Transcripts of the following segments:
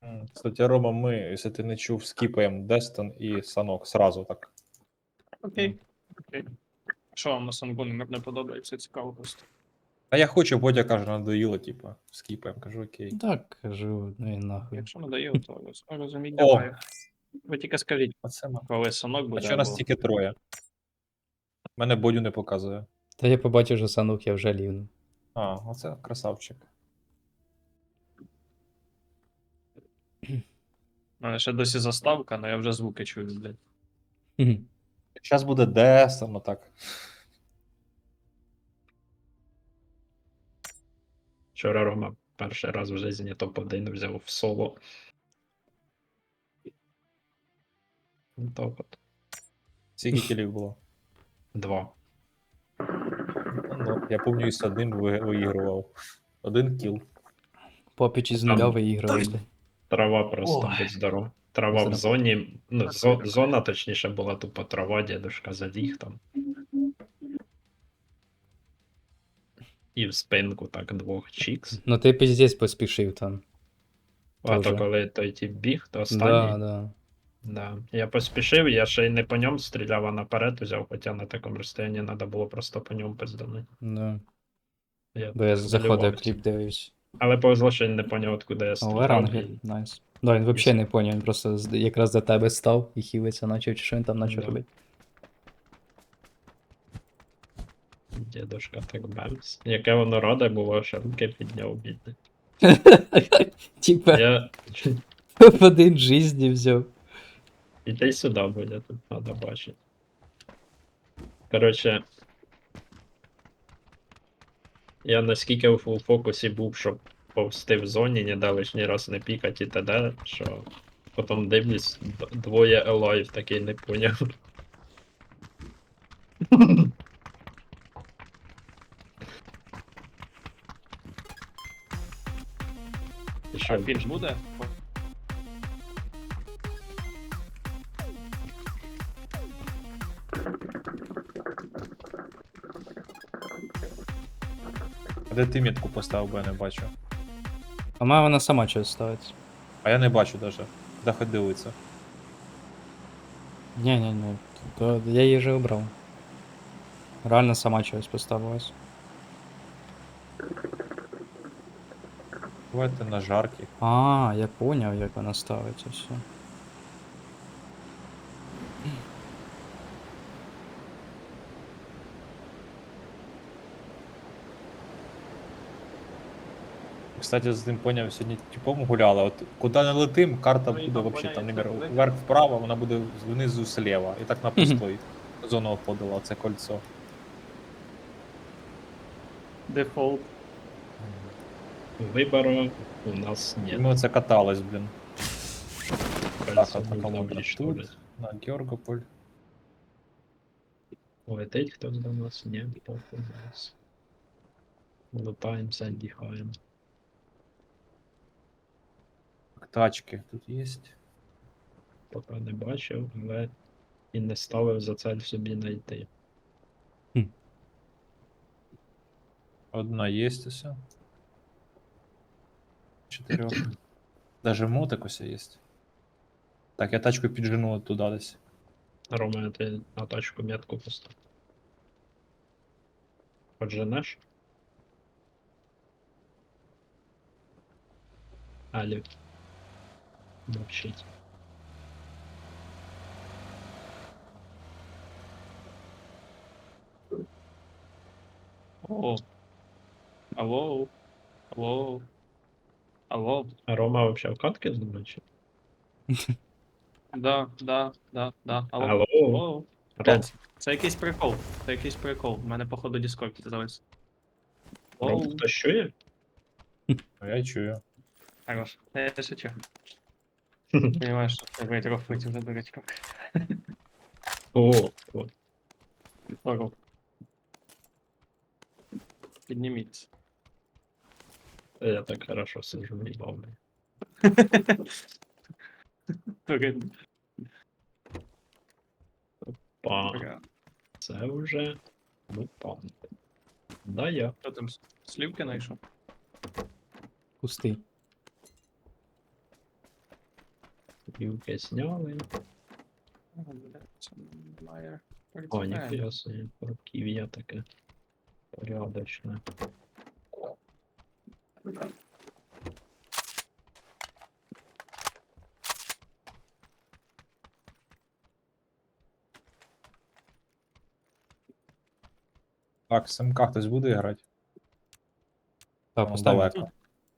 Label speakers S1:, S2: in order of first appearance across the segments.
S1: Кстати, Рома, ми, якщо ти не чув, скіпаємо Дестон і Санок сразу так.
S2: Окей. Окей. Що вам на Сангоні не подобається, цікаво просто.
S1: А я хочу, Бодя каже, надоїло, типу, скіпаємо. Кажу, окей.
S3: Так, кажу, ну і нахуй.
S2: Якщо надоїло, то розуміть,
S1: О!
S2: давай. Ви тільки скажіть,
S1: Оце ми.
S2: коли Санок
S1: А
S2: буде,
S1: чого нас
S2: або...
S1: тільки троє? Мене Бодю не показує.
S3: Та я побачив, що санук я вже лівну.
S1: А, оце красавчик.
S2: У мене ще досі заставка, але я вже звуки чую, блядь.
S3: Хм.
S1: Зараз буде Дестон, отак.
S4: Вчора Рома перший раз в житті топ-1 взяв в соло. Так от.
S1: Скільки кілів було?
S4: 2.
S1: Ну, я пам'ятаю, з одним виігрував. Один кіл.
S3: Попіч із нуля виіграли, блядь.
S4: Трава просто
S3: Ой.
S4: будь здоров. Трава в
S3: Зараз.
S4: зоні. Ну, зона, точніше, була тупо трава, дедушка заліг там. І в спинку так двох чікс.
S3: Ну ти піздець поспішив там.
S4: А
S3: Тоже.
S4: то коли той тип біг, то
S3: Да,
S4: останній.
S3: да.
S4: Да. Я поспішив, я ще й не по ньому стріляв, а наперед взяв, хоча на такому розстоянні треба було просто по ньому пизданути.
S3: Да.
S4: Я
S3: Бо я заходив
S4: хвилювався.
S3: кліп дивився.
S4: Але повезло, що він не поняв, откуда я
S3: О,
S4: стріляв.
S3: Рангель,
S4: і-
S3: найс. Да, він взагалі не поняв, він просто якраз до тебе став і хілиться начав, чи що він там начав
S4: Да.
S3: робити.
S4: Дідушка так бемс. Яке воно раде було, що руки підняв бідне.
S3: Типа,
S4: Я...
S3: в один жизні взяв.
S4: Іди сюди, буде, тут треба бачити. Коротше. Я наскільки у фокусі був, щоб повсти в зоні, не дали лишній раз не пікати і т.д., що потім дивлюсь, двоє елайв такий не поняв. І
S2: А
S4: що,
S2: фільм буде?
S1: А де ти метку поставив, бо я не бачу.
S3: А має вона сама щось ставиться.
S1: А я не бачу даже. Де хоч дивиться.
S3: Ні, то я її вже обрав. Реально сама щось поставилась.
S1: Давайте на жаркі.
S3: А, я поняв, як вона ставиться все.
S1: Кстати, з ним поняв, сьогодні типом гуляли. От куди не летим, карта
S2: Ну, і
S1: буде
S2: там
S1: вообще там,
S2: поняття
S1: наприклад,
S2: велике.
S1: вверх-вправо, вона буде внизу слева. І так на пустой. Зону обходила, це кольцо.
S2: Дефолт.
S4: вибору у нас
S1: І
S4: нет.
S1: ми оце катались, блін. Так,
S4: Кольцо
S1: одна
S4: нужно
S1: колонка
S4: уничтожить.
S1: тут, на Георгополь.
S4: Летить хтось до нас? Ні, похуй на нас. Лутаємося, діхаємо.
S1: Тачки тут є.
S4: Поки не бачив, але і не ставив за цель собі знайти.
S1: Одна є усе. 4. Даже мотик усе є. Так, я тачку піджену туди десь.
S4: Рома, ти на тачку метку постав. Подженеш? Алі. Мовчить.
S2: О. Алло. Алло. Алло.
S4: А Рома вообще в катки знімає?
S2: Да. Алло.
S4: Алло.
S2: Алло.
S4: Ром,
S2: Це якийсь прикол. Це якийсь прикол. У мене, походу, Discord завис.
S4: Ром,
S2: Оу.
S4: хтось чує?
S1: Ну, я чую.
S2: Хорош. Я шучу. Понимаешь, что я трохи витів за дурачка.
S4: О,
S2: Здорово. Підніміться.
S4: я так хорошо сижу, не бавлю. Па, це вже мутант. Да, я.
S2: Що там, слівки знайшов?
S3: Пустий.
S4: Юки сняли.
S2: О, бля, це має
S4: О,
S2: прицепляє.
S4: ніхуя собі, руків'я таке. Порядочне.
S1: Так, з МК хтось буде грати?
S3: Так,
S1: Там
S3: поставимо.
S1: далеко.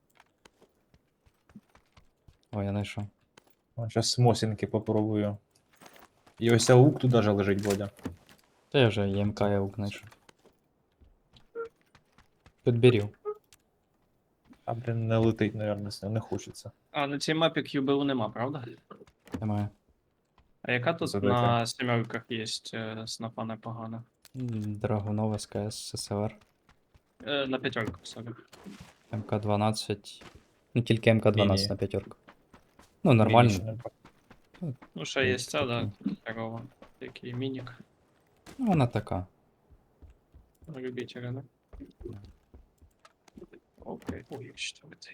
S3: О, я знайшов.
S1: Зараз смосінки попробую. І ось аук тут даже лежить, Бодя.
S3: Та я вже ЄМК я знайшов. Підберів.
S1: А, блін, не летить, наверное, не хочеться.
S2: А на цій мапі QBU нема, правда?
S3: Немає.
S2: А яка тут
S1: Задайте.
S2: на сімерках є снапа непогана?
S3: Драгунова СКС СССР.
S2: На п'ятерках, сорі.
S3: МК-12. Ну, тільки МК-12
S1: Міні.
S3: на п'ятерку. Ну, нормально.
S1: Мінічне.
S2: Ну, ще є ця, да,
S3: Такий.
S2: здорово. Такий мінік.
S3: Ну, вона така.
S2: Любителя, да? Окей. Ой, що це?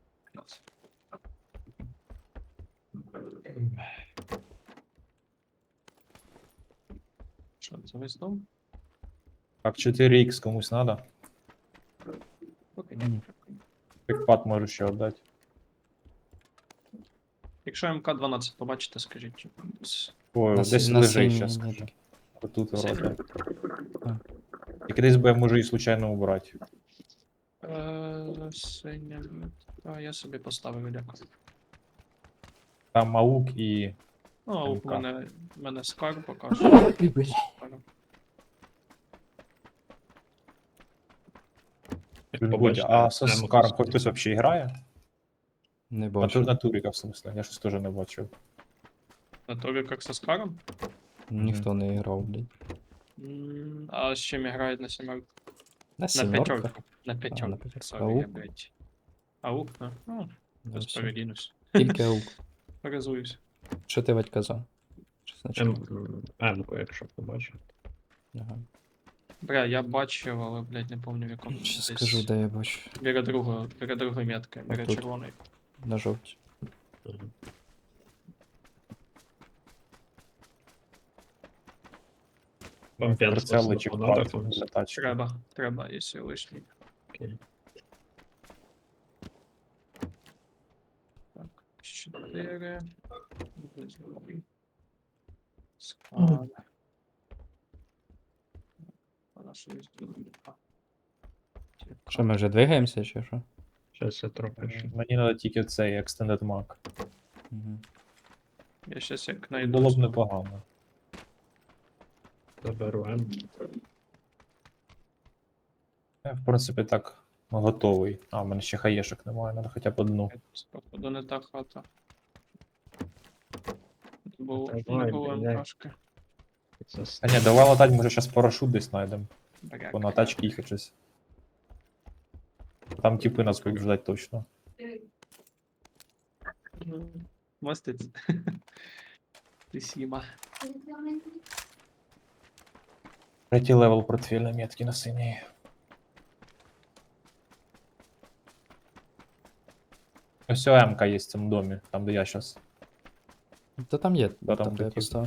S2: Що це весь дом?
S1: Так, 4х комусь надо.
S2: Окей.
S3: Ні.
S1: Пікпад можу ще віддати.
S2: Якщо МК-12 побачите, скажіть.
S1: Ой,
S3: На
S1: десь
S3: на
S1: лежить
S3: синій
S1: зараз.
S3: ні.
S1: Отут
S2: Синій?
S1: вроде.
S3: А.
S1: Тільки десь би я можу її случайно убрати.
S2: Синя. А, я собі поставив, дякую.
S1: Там аук і.
S2: Ну, а у
S1: МК.
S2: мене скар покаже.
S1: Бодя,
S4: Побачите,
S1: а со
S4: прямо
S1: Скаром
S4: тут.
S1: хоч хтось взагалі грає?
S3: Не
S1: На,
S3: бачу.
S1: на туріка, в смысле, я щось теж не бачив.
S2: На тобі як со скаром?
S3: Ніхто не грав, блядь.
S2: А з чим грають на сімерку?
S3: На
S2: На
S3: сімерках.
S2: п'ятерку. На п'ятерку.
S3: п'ятерку.
S2: Сорі, я,
S3: Аук?
S2: блядь. Аук, ну,
S3: Да,
S2: без
S3: все.
S2: передінусь.
S3: Тільки аук.
S2: Перезуюсь.
S3: Що ти Вадь казав? Що значить?
S4: М-ку, якщо побачив.
S3: Ага.
S2: Бля, я бачив, але, блядь, не помню в якому.
S3: Щас
S2: Десь
S3: скажу, де я бачу.
S2: Біля другої метки, біля
S3: Отут.
S2: червоної.
S3: На жовті.
S4: Мгм. Вам п'янство
S1: Прицели чи
S4: снапу надо
S1: впад
S4: комусь?
S1: для тачки.
S2: Треба, якщо лишній.
S4: Окей.
S2: Так, 4. Склад. Вона що є тут? А.
S3: Що, ми вже двигаємося, чи що?
S4: Щас я трохи ще.
S1: Мені треба тільки цей Extended Mag.
S3: Угу.
S2: Я щас як найду.
S1: Було б
S2: знову.
S1: непогано.
S4: Заберу М.
S1: Я, в принципі, так готовий. А, в мене ще хаєшок немає, треба хоча б одну.
S2: Походу не та хата. Було,
S4: Та
S2: не
S4: давай,
S2: було
S4: блядь.
S2: МКшки.
S4: Це
S1: А ні, давай латать, може зараз парашут десь знайдемо.
S2: Бля,
S1: Бо на тачки їхати щось. Там типи нас будуть ждать точно.
S2: Мостець. Спасибо.
S1: Третій левел портфельної метки на синій. Ось ОМК є в цьому домі, там де я зараз.
S3: Та там є,
S1: Да, там
S3: там, де я
S1: такі.
S3: поставив.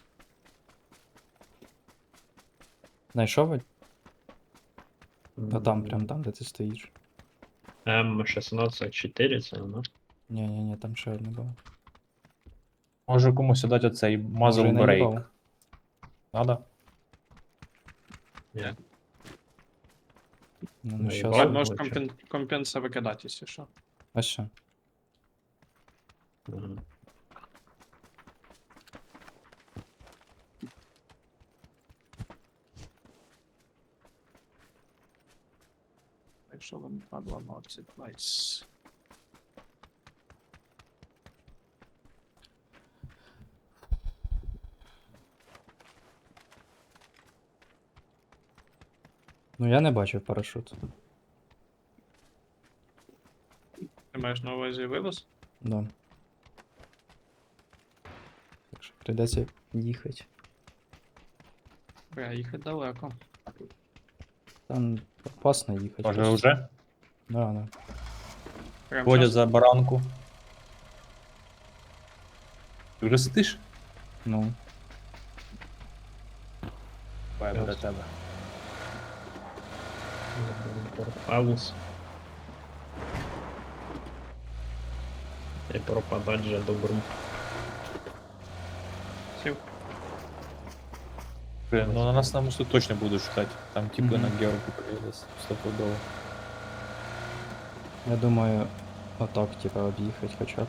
S3: Знайшов Вадь? Та там, прям там, де ти стоїш.
S4: М16-4 це, ну.
S3: Ні, там ще одне було.
S1: Може комусь дати оцей
S3: Може, і
S1: muzzle
S3: наїбав.
S1: break. Надо?
S4: Ні.
S3: Ну,
S4: Наїбав.
S3: щас.
S4: Ладно.
S2: Можеш
S4: лучше.
S2: компенса викидати, якщо що.
S3: Ось що.
S4: Мгм.
S2: Якщо вам падла мовці, найс.
S3: Ну я не бачив парашут.
S2: Ти маєш на увазі вивоз?
S3: Да. Так що прийдеться їхати.
S2: Бля, їхати далеко.
S3: Там опасно їхати.
S1: Може
S3: просто.
S1: вже?
S3: Да.
S2: Прям
S1: Ходять
S2: щас?
S1: за баранку. Ти вже сидиш?
S3: Ну.
S1: Давай до тебе.
S4: Порталус. І пропадать же добру.
S2: Сів.
S1: Блин, ну на нас на мосту точно будуть ждать. Там типи
S3: Мгм.
S1: на георгу приїдуть стопудово.
S3: Я думаю, отак, типа, об'їхати хоча б.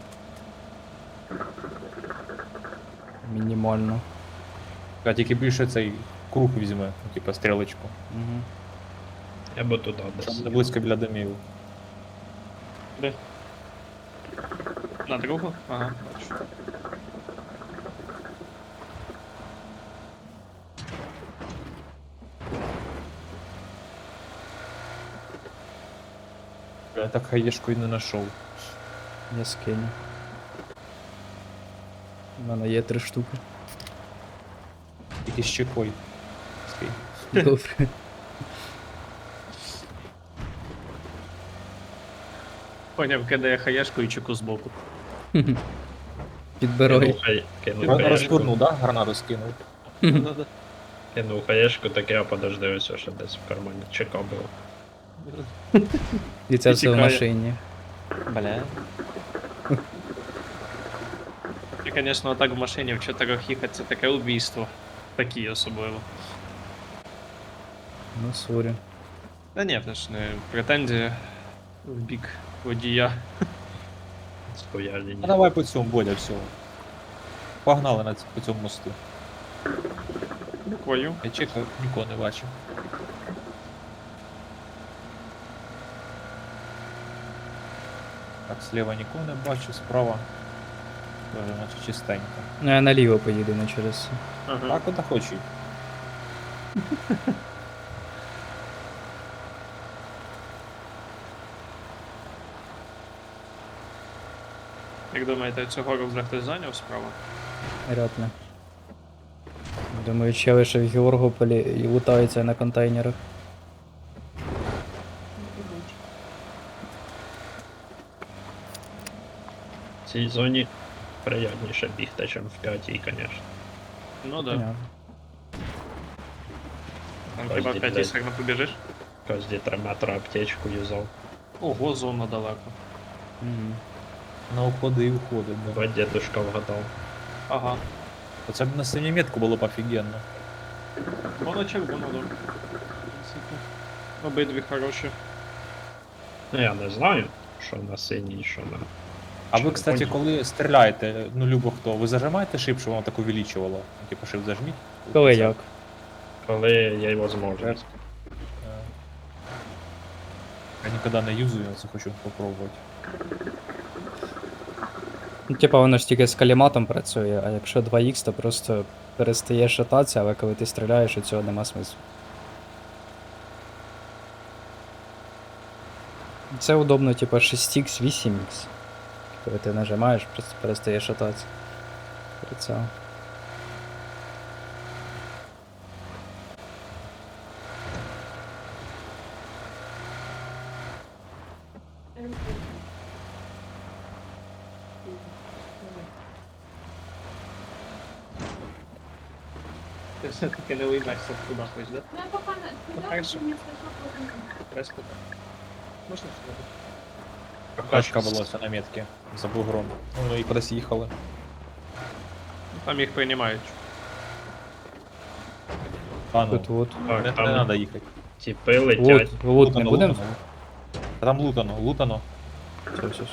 S3: Мінімально.
S1: А тільки більше цей круг візьме, ну, типа стрілочку.
S3: Угу.
S4: Я би туди десь.
S1: Щоб не близько біля домів.
S2: Де? На другу? Ага, бачу.
S1: Я так хаєшку і не знайшов.
S3: Я скину. У мене є 3 штуки.
S1: Тільки з чекой. Скинь.
S3: Добре.
S2: Поняв, кидає хаєшку і чеку збоку.
S3: Підбирай.
S4: Кинув
S1: Ро-
S4: хаєшку.
S1: Розгорнув, да? Гранату скинув.
S2: Да-да.
S4: Кинув хаєшку, таке, а подожди, ось що десь в кармані чека було.
S3: І це
S2: І
S3: все в
S2: тікає.
S3: машині.
S2: Бля. І, звісно, так в машині в 4 їхати це таке убійство. Такі особливо.
S3: Ну, сорі.
S2: Та ні, це ж не претензія в бік водія.
S4: Стояли.
S1: А давай по цьому, Бодя, все. Погнали по цьому мосту.
S2: Буквою.
S1: Я чекав, нікого не бачив. Так, зліва нікого не бачу, справа. Тоже наче чистенько.
S3: Ну, я наліво поїду, не через це.
S2: Ага.
S1: Так от хочу.
S2: Як думаєте, цього вже хтось зайняв справа?
S3: Ряд не. Думаю, чели ще в Георгополі і лутаються на контейнерах.
S4: В цій зоні приятніше бігти, ніж в 5-й, звісно.
S2: Ну да.
S3: Понятно.
S2: Там
S4: Кожні,
S2: хіба 5
S4: блядь.
S2: сильно побіжиш?
S4: Кожні 3 метри аптечку юзав.
S2: Ого, зона далеко.
S3: Мгм.
S1: На уходи і уходи. Да.
S4: Бо дідушка вгадав.
S2: Ага.
S1: Оце б на синю метку було б офігенно.
S2: Воно червоно, да. Обидві хороші.
S4: Ну я не знаю, що на синій, що на.
S1: А ви, кстати,
S4: червоній.
S1: коли стріляєте, ну любо хто, ви зажимаєте шип, щоб воно так увеличувало? Ну, типу шип зажміть.
S3: Коли як?
S4: Коли є можливість.
S1: Я ніколи не юзаю, я це хочу попробувати.
S3: Ну, типа воно ж тільки з каліматом працює, а якщо 2х, то просто перестає шататися, але коли ти стріляєш, у цього нема смислу. Це удобно, типа 6х, 8х. Коли ти нажимаєш, просто перестає шататися. Прицел.
S2: Ти все-таки не уймешся туди хоч, да?
S5: Ну, я пока на...
S2: Ну,
S5: туда
S2: хорошо.
S5: не слышу,
S2: Резко так. Можна сюди?
S1: Тачка була це на метці за бугром. Ну і кудись їхали.
S2: Там їх приймають.
S1: А ну,
S3: Тут вот.
S4: Так,
S1: не
S4: там
S1: треба їхати.
S4: тіпи летять.
S3: Лут не будем?
S1: Лутано. Та там лутано, лутано.
S3: Все.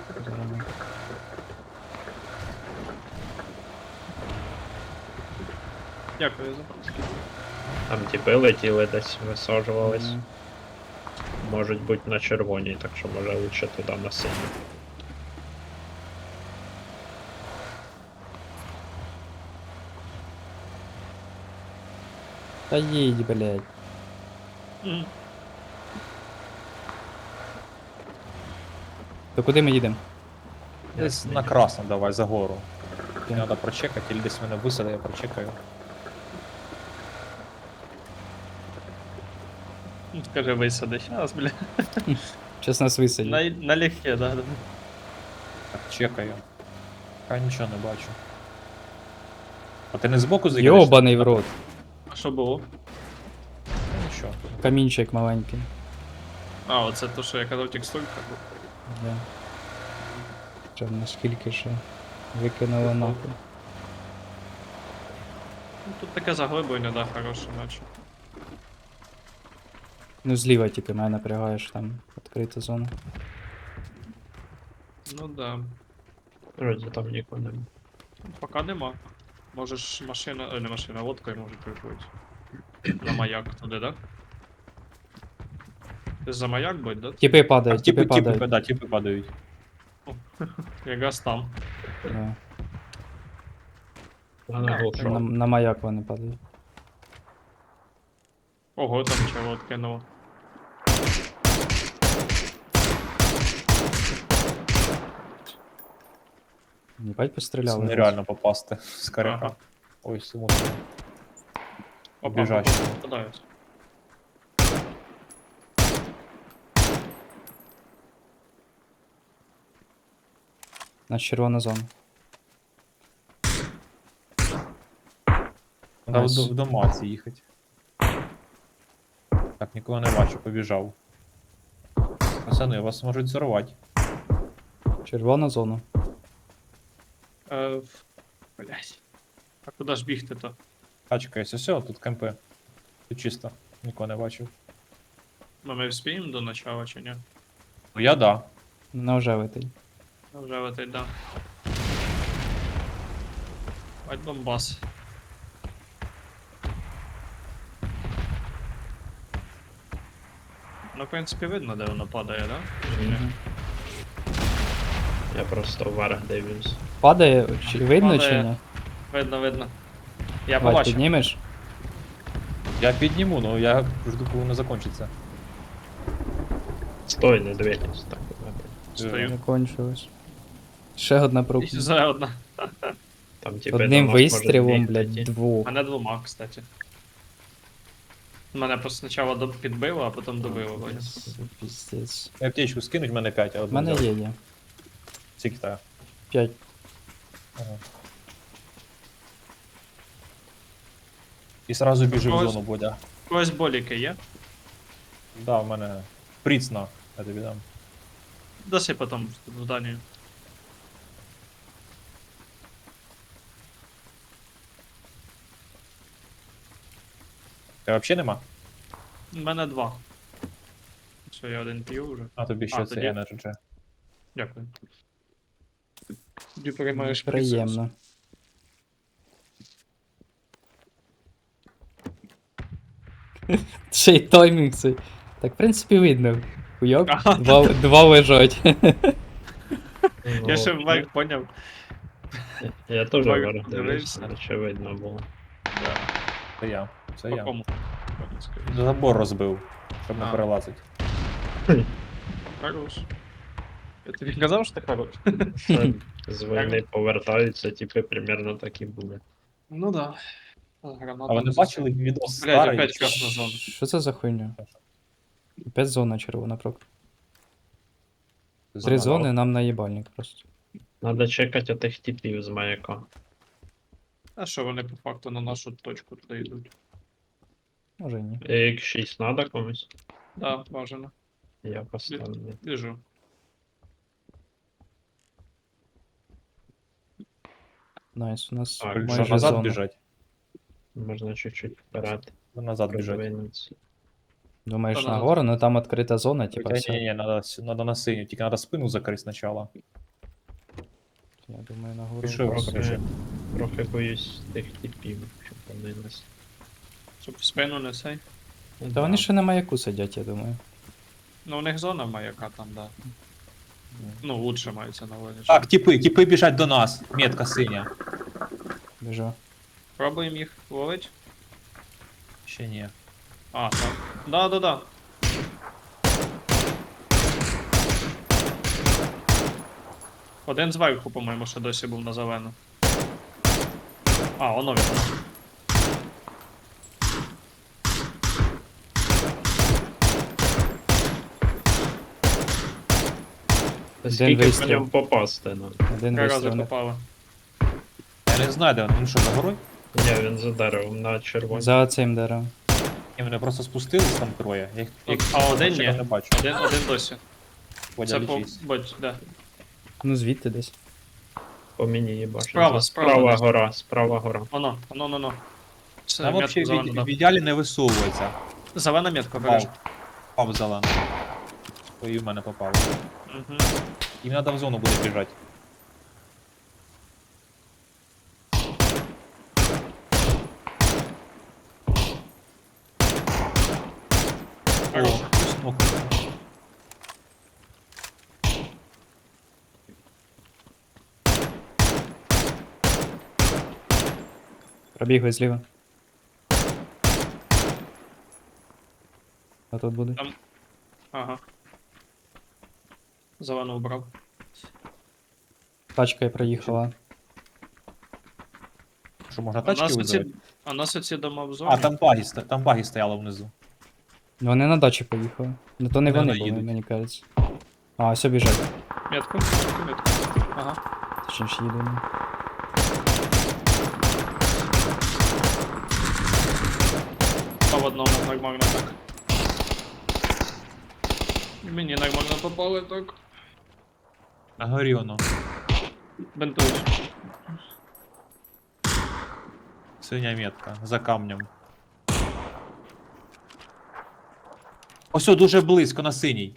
S2: Дякую за паски.
S4: Там тіпи летіли десь, висаджувались.
S3: Мгм.
S4: Можуть бути на червоній, так що може лучше туди на синій.
S3: Та їдь, блядь.
S2: Мгм.
S3: То куди ми їдемо?
S1: Десь на красно давай, за гору. Треба прочекати, або десь мене висади, я прочекаю.
S2: Скажи, висади. Щас, бля.
S3: Щас нас висадять.
S2: Налегке, да.
S1: Так, чекаю. А нічого не бачу. А ти не збоку заїдеш?
S3: Йобаний в рот.
S2: А що було?
S1: Ну, нічого.
S3: Камінчик маленький.
S2: А, оце то, що я казав текстурка.
S3: Да. Що наскільки ще викинуло нахуй.
S2: Ну, тут таке заглиблення, да, хороше, наче.
S3: Ну зліва тільки мене напрягаєш, там відкрита зона.
S2: Ну да.
S4: Вроді там нікого нема.
S2: Поки нема. Можеш машина, не машина, лодкою може приплити. На маяк туди, да? Ти за маяк будь, да?
S3: Тіпи
S1: А
S3: падають, тіпи падають.
S1: да, типи падають.
S2: Якраз там.
S3: Да.
S4: Вона
S2: Так,
S4: глушила.
S3: На маяк вони падають.
S2: Ого, там чого откинуло.
S3: Єбать
S1: Це
S3: постріляли.
S1: нереально попасти з коряка.
S2: Ага.
S1: Ой, сумутно.
S2: Опа,
S1: Біжать.
S2: попадають.
S3: На червона зона.
S1: Треба
S3: Найс.
S1: в дома ці їхати. Так, нікого не бачу, побіжав. Пацани, вас можуть зорвати.
S3: Червона зона.
S2: Блять. А куди ж бігти-то?
S1: Тачка є, все, тут кемпи. Тут чисто, нікого не бачив.
S2: Ну, ми вспіємо до начала чи ні?
S1: Ну я да.
S3: На вже витий.
S2: Ну, вже в этой, да. Бать бомбас. Ну, в принципі, видно, де воно падає, да? Чи ні?
S3: Мгм.
S4: Я просто вверх дивлюсь.
S3: Падає, чи видно чи
S2: Падає.
S3: ні?
S2: Видно, видно. Я
S3: Вадь,
S2: побачив.
S3: піднімеш?
S1: Я підніму, ну я жду, коли воно закінчиться.
S4: Стой, не двигайся. Так, добре.
S2: Стою.
S3: Закончилось. Ще одна прука.
S2: І за одна.
S4: Там типу
S3: Одним
S4: до нас
S3: вистрілом,
S4: можуть
S3: блядь,
S4: бігти.
S3: двох.
S2: Мене двома, кстати. Мене просто спочатку підбило, а потім добило. Ваня.
S3: Піздець.
S1: Аптечку скинуть, в мене 5, а
S3: У
S1: одну
S3: мене
S1: взяв.
S3: є.
S1: Скільки та?
S3: 5.
S1: Ага. І сразу біжи в
S2: Ось.
S1: зону, Бодя.
S2: У когось боліки є?
S1: Да, в мене пріцна, я тобі дам.
S2: Даси потім в зданію.
S1: Тебе взагалі нема?
S2: У мене два. Все, я один п'ю вже.
S1: А тобі ще
S2: А,
S1: це
S2: тоді?
S1: Energy.
S2: Дякую. Тоді переймаєш
S3: Приємно. Ще й таймінг цей. Так, в принципі, видно. Хуйок.
S2: Ага.
S3: Два лежать.
S4: Ну,
S2: Я ще вверх поняв.
S4: Я теж
S2: Вверх
S4: вверх дивився,
S2: дивився.
S4: очевидно було.
S2: Да.
S1: Це я. Це
S2: По
S1: я.
S2: кому?
S1: Забор розбив, щоб не
S2: А.
S1: перелазити.
S2: Хорош. Я тобі казав, що ти хорош?
S4: Це з війни повертаються, типи примерно такі були.
S2: Ну да. Гранату
S1: А ви не бачили відос
S2: Блядь,
S1: старий?
S2: опять красна зона.
S3: Що це за хуйня? Опять зона червона прок.
S1: Зона
S3: 3 зони нам наїбальник просто.
S4: Надо чекати отих типів з маяка.
S2: А що вони по факту на нашу точку туди йдуть?
S3: Може і ні.
S4: X6 надо комусь?
S2: Да, бажано.
S4: Я поставлю.
S2: Біжу.
S3: Найс, у нас
S4: Так,
S1: Що,
S3: майже
S1: назад
S3: зона.
S1: біжать?
S4: Можна чуть-чуть вперед
S1: Назад біжать.
S4: розвинутися.
S3: Думаєш
S2: Та
S3: на
S2: назад.
S3: гору, ну там відкрита зона, типа
S1: Ні,
S3: все.
S1: ні, надо на синю, тільки надо спину закрити спочатку.
S3: Я думаю, на гору.
S1: Пішов,
S4: Трохи,
S1: короче.
S4: трохи боюсь тих типів, щоб вони нас.
S2: Щоб в спину не сей.
S3: Та вони ще на маяку сидять, я думаю.
S2: Ну, у них зона маяка там, да. Ну, лучше мається на увазі.
S1: Так, типи біжать до нас. Метка синя.
S3: Біжу.
S2: Пробуємо їх ловити.
S1: Ще ні.
S2: А, так. Да. Один зверху, по-моєму, ще досі був на зелену. А, воно він.
S4: Скільки по
S3: вистріл.
S4: ньому попасти, ну.
S3: Один
S2: Три рази
S3: вистріл.
S2: попало.
S1: Я не знаю, де вони. Він що, за горою?
S4: Ні, він за деревом на червоній.
S3: За цим деревом.
S1: І вони просто спустились там троє. Я їх
S2: А один
S1: бачив,
S2: ні.
S1: не бачу.
S2: Один досі.
S1: Водя,
S2: Це по...
S1: лічись.
S2: Будь, да.
S3: Ну звідти десь.
S4: По мені їбашить.
S2: Справа, справа десь.
S4: Справа гора.
S2: Воно. Це
S1: Там
S2: метку
S1: взагалі
S2: зелену
S1: в
S2: дав.
S1: ідеалі не висовується.
S2: Зелена метка, береш.
S1: Попав зелену. То і в мене попало.
S2: Угу.
S1: Їм треба в зону буде біжати. О, хтось нокнув.
S3: Пробігли зліва. А тут буде.
S2: Ага. Зелену вбрав.
S3: Тачка проїхала.
S1: Що, можна
S2: А нас
S1: тачки
S2: оці...
S1: вибрати?
S2: А нас оці дома в зоні.
S1: А, там баги стояли внизу.
S3: Вони на дачі поїхали. Ну то не
S1: Вони
S3: вони були,
S1: їдуть.
S3: мені кажеться. А, ось біжать.
S2: Метку. Ага.
S3: Точніше їдемо.
S2: По одному нормально так. Мені нормально попали так.
S1: На горі воно.
S2: Бентуюсь.
S1: Синя метка. За камнем. Ось о, дуже близько на синій.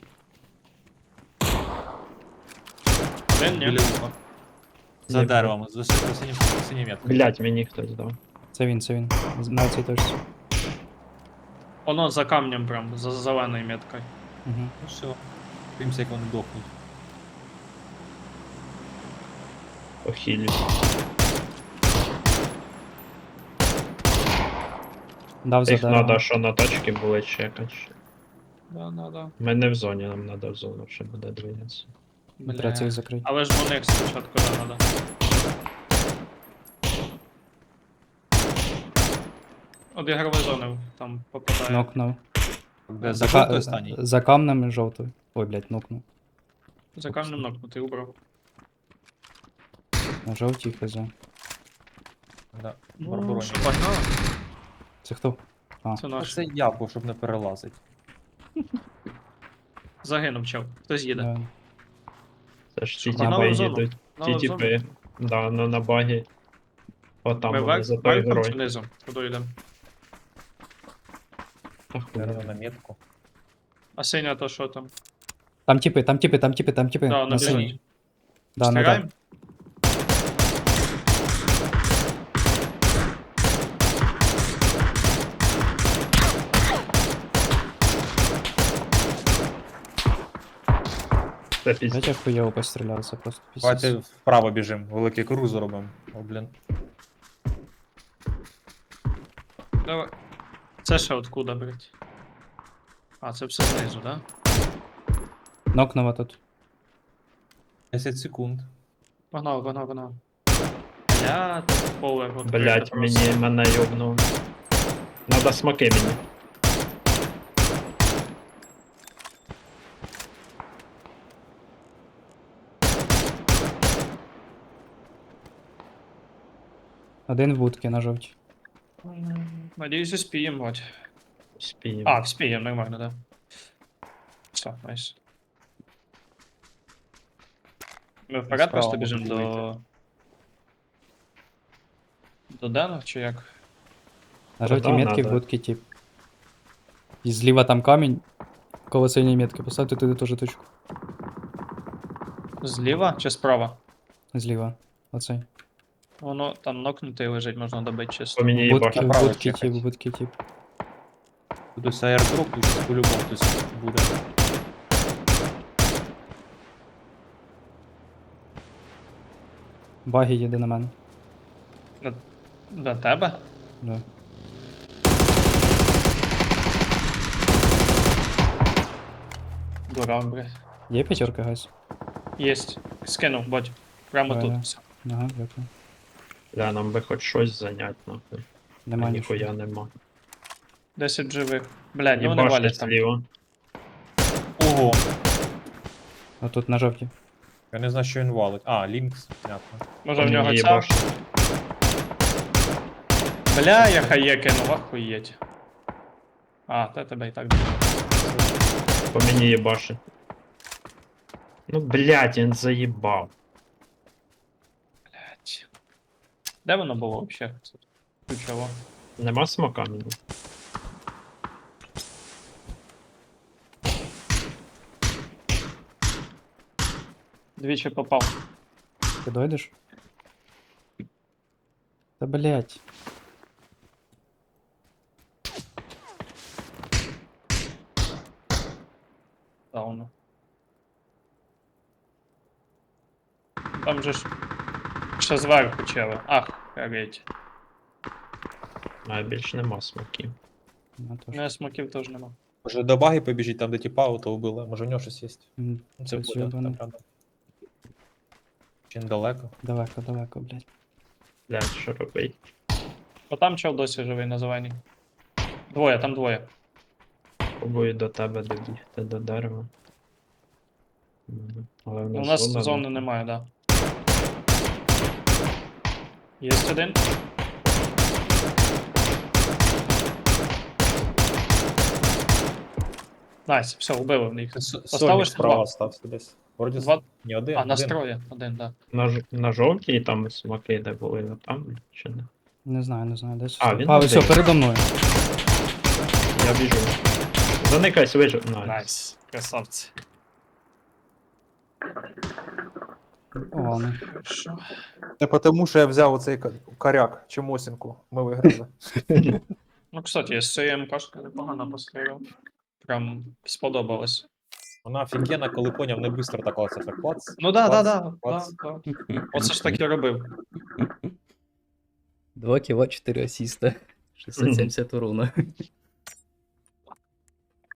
S2: Один, ні?
S1: Біля уха. За
S4: Ні.
S1: деревом. За синя метка.
S4: Блять, мені хтось дав.
S3: Це він, це він. На цій точці.
S2: Воно за камнем прям, за зеленою меткою.
S3: Угу.
S1: Ну все. Дивимося, як вони дохнуть.
S4: Похилю.
S3: Дав за
S4: Їх
S3: деревом.
S4: надо, що на тачки були чекати.
S2: Да.
S4: Ми не в зоні, нам надо в зону, ще буде двигатися.
S3: Треба цих закрити.
S2: Але ж вони спочатку да, надо. Обігрові зони там попадає.
S3: Нокнув.
S1: Де за жовтою останній?
S3: За камнем жовтою. Ой, блядь, нокнув.
S2: За камнем нокнутий, убрав.
S3: На жовтій хз.
S1: Да.
S2: Ну,
S1: Барбароні.
S2: що, погнали?
S3: Це хто?
S2: Це
S1: Та
S2: наш.
S1: Це я, бо щоб не перелазить.
S2: Загинув чел. Хтось їде.
S3: Да.
S4: Це ж ті
S2: Що,
S4: тіпи
S2: погнали в зону?
S4: їдуть.
S2: Погнали
S4: Ті
S2: в зону?
S4: тіпи. Да, на багі. Отам
S2: Ми
S4: вони за той
S2: верхом чи
S4: герой.
S2: низом? Куди йдемо?
S4: Та хуй.
S1: Дерево на метку.
S2: А синя то що там?
S3: Там тіпи.
S2: Да,
S3: на синій.
S2: біжить.
S3: Да,
S2: Стріляємо?
S4: Це пізд.
S3: Знаєте, як хуєво постріляв, це просто
S1: Давайте
S3: пісець.
S1: вправо біжимо, великий круг зробимо. О, блін.
S2: Давай. Це ще откуда, блять? А, це все знизу, да?
S3: Нокнув тут.
S1: 10 секунд.
S2: Погнав. Я тут поле от
S4: Блять, мене йобнув. Надо смоки мені.
S3: Один в будці на жовтій.
S2: Надіюсь, успіємо, бать.
S4: Спіємо.
S2: А, вспіємо, нормально, да. Все, найс. Ми вперед
S1: Справа
S2: просто
S1: можуть
S2: біжимо до...
S1: вийти.
S2: До Дена, чи як?
S3: На
S4: Та
S3: жовтій
S4: да,
S3: метці в
S4: надо.
S3: будці тип. І зліва там камінь. Коло синьої метки. Поставте туди теж точку.
S2: Зліва чи справа?
S3: Зліва. Оцей.
S2: Воно там нокнутий лежить, можна добити
S4: По
S2: чисто.
S4: мені
S3: В будці,
S4: їбашить.
S3: в
S1: Направо
S3: будці
S1: чекать.
S3: тип, в будці тип.
S1: Тут ось аердроп, тут по-любому хтось буде.
S3: Баги їде на мене.
S2: До тебе?
S3: Да.
S2: Дурак, блядь.
S3: Є п'ятерка, гайс?
S2: Єсть. Скинув, бать. Прямо
S3: Давай,
S2: тут.
S3: да.
S2: Все.
S3: Ага, дякую.
S4: Бля, нам би хоч щось зайнять, нахуй.
S3: Нема
S4: А
S3: нічого.
S4: ніхуя нема.
S2: 10 живих. Блядь, ну вони
S4: Їбашить
S2: валять там.
S4: зліва.
S1: Ого!
S3: А тут на жовтій.
S1: Я не знаю, що він валить. А, Лінкс, понятно.
S2: Може
S4: По
S2: в нього
S4: мені
S2: ця?
S4: їбашить.
S2: Бля, я хає кинув, охуєть. А, та тебе і так було.
S4: По мені їбашить. Ну, блядь, він заїбав.
S2: Блядь. Де воно було взагалі? Ключово.
S4: Нема смока мені.
S2: Двічі попав.
S3: Ти дойдеш? Та блять.
S2: Дауну. Там же ж ще зверху чели. Ах, геть.
S4: А більш нема смоків.
S3: Ну, то
S2: У мене смоків теж нема.
S1: Може до баги побіжить, там де тіпа ауто вбили, може у нього щось є. Ну, це
S3: Щось
S1: буде,
S3: йобане.
S1: там рядом. Чи недалеко.
S3: Далеко, далеко, блять.
S4: Блядь, що робить?
S2: Бо там чел досі живий на зеленій. Двоє, там двоє.
S4: Пробую до тебе добігти до дерева. Але в
S2: У
S4: нас
S2: нас
S4: зона,
S2: зони немає, да. Є один. Найс, все, убили їх. Поставиш
S1: справа
S2: два.
S1: остався десь. Вроді
S2: Два.
S1: не один.
S2: А, на
S1: один.
S2: строї. Один, да.
S4: На жовтій там смоки, де були, а там чи не?
S3: Не знаю, десь.
S4: А, він
S3: все,
S4: один.
S3: передо мною.
S4: Я біжу. Заникайся, вижу.
S2: Найс. Красавці.
S3: О, ладно.
S2: Хорошо.
S5: Не потому, що я взяв оцей коряк чи мосінку. Ми виграли.
S2: Ну, кстати, я з цією МКшкою непогано постріляв. Прям сподобалось.
S1: Вона офігенна, коли поняв, не швидко так оце так клац.
S2: Ну да, да,
S1: клац,
S2: да.
S1: клац.
S2: Да. Оце ж так і робив.
S3: 2 кіла, 4 асіста. 670 урона.